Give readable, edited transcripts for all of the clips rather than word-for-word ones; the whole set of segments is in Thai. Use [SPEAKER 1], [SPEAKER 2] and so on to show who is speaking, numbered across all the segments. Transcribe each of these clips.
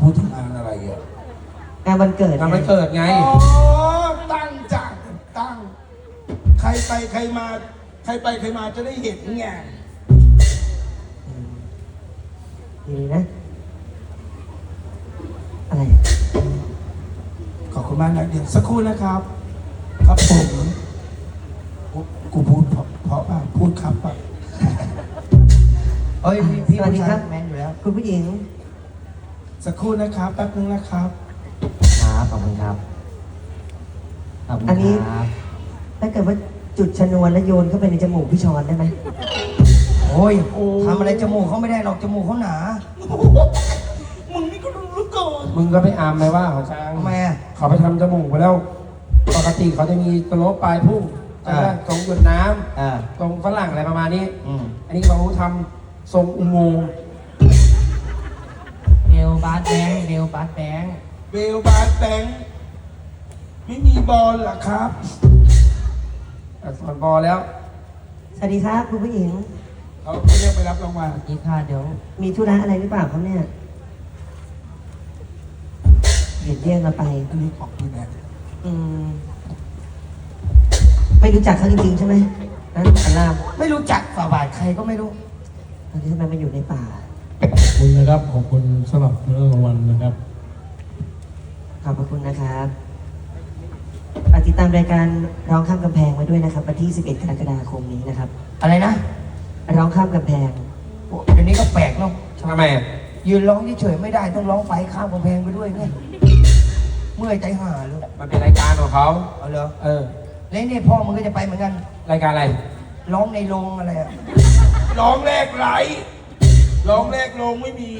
[SPEAKER 1] ดถึงงานอะไรอ่ะ
[SPEAKER 2] งานวันเกิด
[SPEAKER 3] งานวันเกิดไง
[SPEAKER 1] อ๋อตั้งจ้ะตั้งใครไปใครมาใครไปใครมาจะได้เห็นไง
[SPEAKER 2] ดีนะอะไร
[SPEAKER 1] ขอบคุณมากนะเดี๋ยวสักครู่นะครับ ครับผมกูพูดเพราะป่ะพูดครับป่ะ
[SPEAKER 4] เอ้ยพี่ผู้ชายแมนอยู่แล้ว
[SPEAKER 2] คุณผู้หญิง
[SPEAKER 1] สักครู่นะครับแป๊บนึงนะครับ
[SPEAKER 4] ครับขอบคุณครับขอบคุณ
[SPEAKER 2] อันนี้
[SPEAKER 4] ครับ
[SPEAKER 2] ถ้าเกิดว่าจุดชนวนแล้วโยนเข้าไปในจมูกพี่ชอนได้ไหม
[SPEAKER 4] โอ้ยทำอะไรจมูกเขาไม่ได้หรอกจมูกเขาหนา
[SPEAKER 1] มึงนี่ก็รู้เหลือเกิน
[SPEAKER 3] มึงก็ไปอามไหมว่าเขาช้าง
[SPEAKER 4] ทำไมอ่ะ
[SPEAKER 3] เขาไปทำจมูกไปแล้ว ปกติเขาจะมีตโลปลายพุ่ง
[SPEAKER 4] อ่า
[SPEAKER 3] ตรงหยดน้
[SPEAKER 4] อ่า
[SPEAKER 3] ำตรงฝรั่งอะไรประมาณนี้
[SPEAKER 4] อืม
[SPEAKER 3] อันนี้เขาทำทรงอุโมงค์
[SPEAKER 5] เดวบาสแบงค์เดวบาสแบงค์
[SPEAKER 1] เบลบาร์แบงค์ไม่มีบอลเหรอครับ
[SPEAKER 3] สอนบอลแล้ว
[SPEAKER 2] สวัสดีครับคุณผู้หญิง
[SPEAKER 1] เขาเรียกไปรับรางวัล
[SPEAKER 5] นี่ค่ะเดี๋ยว
[SPEAKER 2] มีธุระอะไรหรือเปล่าครับเนี่ยเห็นเรียกเราไป
[SPEAKER 1] อันนี้ของพี่แม่
[SPEAKER 2] อืมไม่รู้จักเขาจริงๆใช่ไหมนั่นอัลลาม
[SPEAKER 4] ไม่รู้จักฝ่าบาทใครก็ไม่รู้
[SPEAKER 2] ตอนนี้ทำไมมาอยู่ในป่า
[SPEAKER 6] ขอบคุณนะครับ ขอบคุณสำหรับเรื่องรางวัลนะครับ
[SPEAKER 2] ขอบพระคุณนะครับฝากติดตามรายการร้องข้ามกำแพงมาด้วยนะครับวันที่ 11 กรกฎาคมนี้นะครับ
[SPEAKER 4] อะไรนะ
[SPEAKER 2] ร้องข้ามกำแพง
[SPEAKER 4] โอ้เดี๋ยวนี้ก็แปลกเนาะ
[SPEAKER 3] ทำไมอะ
[SPEAKER 4] ยืนร้องเฉยๆไม่ได้ต้องร้องไปข้ามกำแพงไปด้วยเนี่ยเมื่อยใจห่าเลย
[SPEAKER 3] มันเป็นรายการของเขา
[SPEAKER 4] เอาเหรอ
[SPEAKER 3] เออ
[SPEAKER 4] แล้วเนี่ยพ่อมึงก็จะไปเหมือนกัน
[SPEAKER 3] รายการอะไร
[SPEAKER 4] ร้องในโรงอะไรอะ
[SPEAKER 1] ร้องแรกไหลร้องแรกลงไม่มี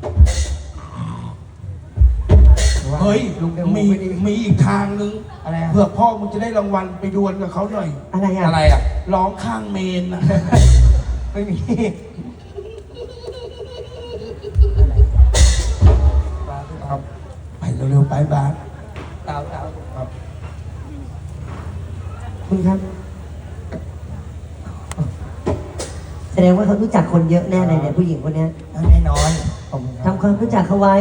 [SPEAKER 1] เฮ้ย
[SPEAKER 4] ลุงเดี๋ยว
[SPEAKER 1] มี
[SPEAKER 4] ไม่ดี
[SPEAKER 1] มีอีกทางนึง
[SPEAKER 4] อะไรอะ
[SPEAKER 1] เผื่อพ่อมึงจะได้รางวัลไปดวลกับเขาหน่อย
[SPEAKER 2] อะไรอ่ะ
[SPEAKER 3] อะไรอ่ะ
[SPEAKER 1] ร้องข้างเมนนะ
[SPEAKER 4] ไม่มี
[SPEAKER 1] ครับ ไปเร็วๆไปบาส
[SPEAKER 4] เต่าเต่า
[SPEAKER 1] ครับ
[SPEAKER 2] คุณครับ แสดงว่าเขารู้จักคนเยอะแน่เลยเนี่ยผู้หญิงคนเนี้ย
[SPEAKER 4] แน่นอนขอบคุณครับ
[SPEAKER 2] ทำความรู้จักเขาไว้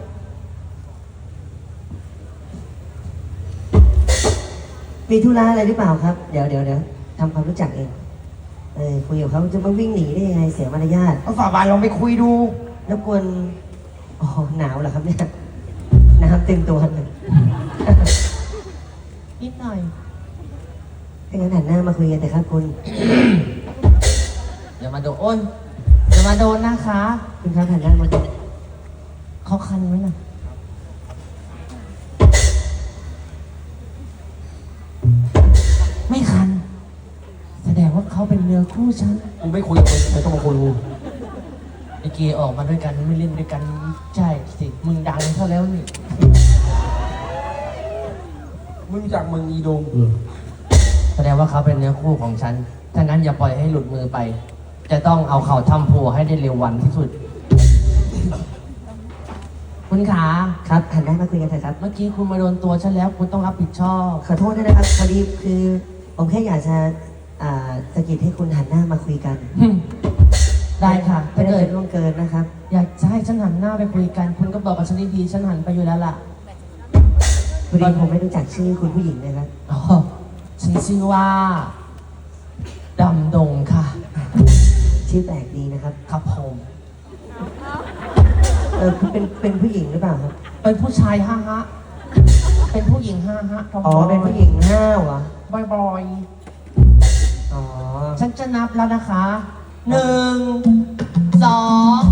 [SPEAKER 2] มีธุระอะไรหรือเปล่าครับ เดี๋ยวทำความรู้จักเองคุยกับเขาจะมาวิ่งหนีได้ยังไงเสียมารยาท
[SPEAKER 4] เอาฝ่าบาทลองไปคุยดู
[SPEAKER 2] รบกวนอ๋อหนาวเหรอครับเนี่ยน้ำเต็มตัวเลย
[SPEAKER 5] นิดหน่อย
[SPEAKER 2] ถ้างั้นหันหน้ามาคุยกันแต่ครับคุณ
[SPEAKER 5] อย่ามาโดนอ้นอย่ามาโดนนะคะ
[SPEAKER 2] คุณครับหันหน้ามาคุย
[SPEAKER 5] เขาคันไหมน่ะไม่คัน แสดงว่าเขาเป็นเนื้อคู่ฉัน
[SPEAKER 3] กูไม่คุยกับมึงไม่ต้องมาคุยกู
[SPEAKER 5] ไอเกออกมาด้วยกันไม่เล่นด้วยกันใช่สิมึงดังเท่าแล้วนี่
[SPEAKER 3] ไม่รู้จักมึงอีดง
[SPEAKER 5] แสดงว่าเขาเป็นเนื้อคู่ของฉันถ้างั้นอย่าปล่อยให้หลุดมือไป จะต้องเอาเข่าทำโพให้ได้เร็ววันที่สุด คุณขา
[SPEAKER 2] ครับหันหน้ามาคุยกันเถอะครับ
[SPEAKER 5] เมื่อกี้คุณมาโดนตัวฉันแล้วคุณต้องรับผิดชอบ
[SPEAKER 2] ขอโทษด้วยนะครับพอดีคือผมแค่อยากจะสะกิดให้คุณหันหน้ามาคุยกัน
[SPEAKER 5] ได้ค่ะ
[SPEAKER 2] ไม่
[SPEAKER 5] ถ้า
[SPEAKER 2] ได้
[SPEAKER 5] เกิด
[SPEAKER 2] เป็นล่วงเกินนะครับ
[SPEAKER 5] อยากจะให้ฉันหันหน้าไปคุยกัน คุณก็บอกกับฉันดีๆฉันหันไปอยู่แล้วล่ะ
[SPEAKER 2] พอดีผมไม่รู้จักชื่อคุณผู้หญิงนะครับ
[SPEAKER 5] อ๋อฉันชื่อว่าดำดงค่ะ
[SPEAKER 2] ชื่อแปลกดีนะครับ
[SPEAKER 5] ครับผม
[SPEAKER 2] เป็นผู้หญิงหรือเปล่าครับ
[SPEAKER 5] เป็นผู้ชายฮะเป็นผู้หญิงฮะทอม
[SPEAKER 2] อ๋อเป็นผู้หญิงห้าวเหรอ
[SPEAKER 5] บ่อย
[SPEAKER 2] อ๋อ
[SPEAKER 5] ๆฉันจะนับแล้วนะคะ1 2